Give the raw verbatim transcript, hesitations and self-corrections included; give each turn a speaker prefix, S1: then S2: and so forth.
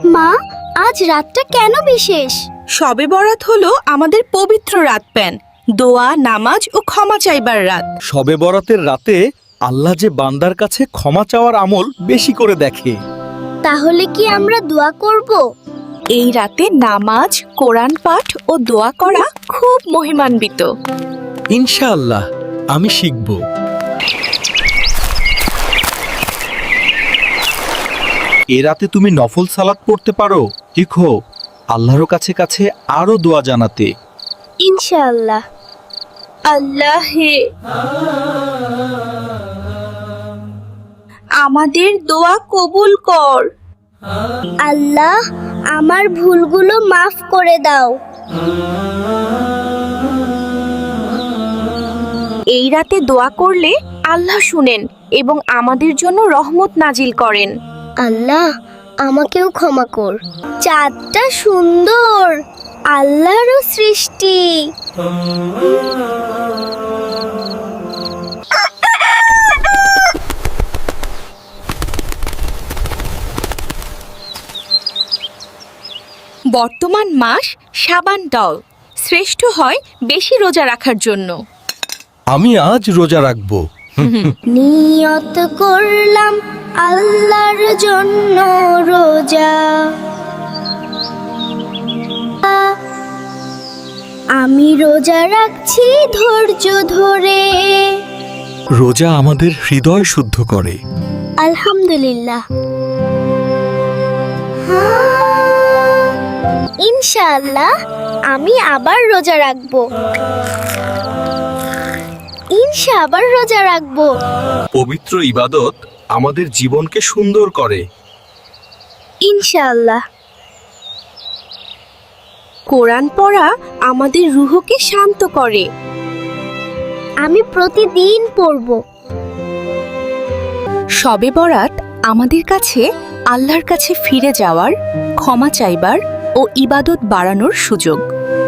S1: মা, আজ রাতটা কেন বিশেষ?
S2: শবে বরাত হলো আমাদের পবিত্র রাত প্যান, দোয়া, নামাজ ও ক্ষমা চাইবার রাত।
S3: শবে বরাতের রাতে আল্লাহ যে বান্দার কাছে ক্ষমা চাওয়ার আমল বেশি করে দেখে।
S1: তাহলে কি আমরা দোয়া করব?
S2: এই রাতে নামাজ, কোরআন পাঠ ও দোয়া করা খুব মহিমান্বিত।
S3: ইনশাআল্লাহ আমি শিখব। এ রাতে তুমি নফল সালাত পড়তে পারো, শিখো আল্লাহর কাছে কাছে আরো দোয়া জানাতে।
S1: ইনশাআল্লাহ।
S2: আল্লাহ হে, আমাদের দোয়া কবুল কর।
S1: আল্লাহ, আমার ভুলগুলো মাফ করে দাও।
S2: এই রাতে দোয়া করলে আল্লাহ শুনেন এবং আমাদের জন্য রহমত নাজিল করেন।
S1: আল্লাহ, আমাকেও ক্ষমা কর। চাঁদটা সুন্দর, আল্লাহরও সৃষ্টি।
S2: বর্তমান মাস শাবান ডল শ্রেষ্ঠ হয় বেশি রোজা রাখার জন্য।
S3: আমি আজ রোজা রাখবো।
S1: নিয়ত করলাম আল্লাহর জন্য রোজা। আমি রোজা রাখছি ধৈর্য ধরে।
S3: রোজা আমাদের হৃদয় শুদ্ধ করে।
S1: আলহামদুলিল্লাহ। ইনশাআল্লাহ আমি আবার রোজা রাখবো। ইনশা আবার রোজা রাখবো।
S3: পবিত্র ইবাদত আমাদের জীবনকে সুন্দর করে।
S1: ইনশাআল্লাহ।
S2: কোরআন পড়া আমাদের রুহকে শান্ত করে।
S1: আমি প্রতিদিন পড়ব।
S2: শবে বরাত আমাদের কাছে আল্লাহর কাছে ফিরে যাওয়ার, ক্ষমা চাইবার ও ইবাদত বাড়ানোর সুযোগ।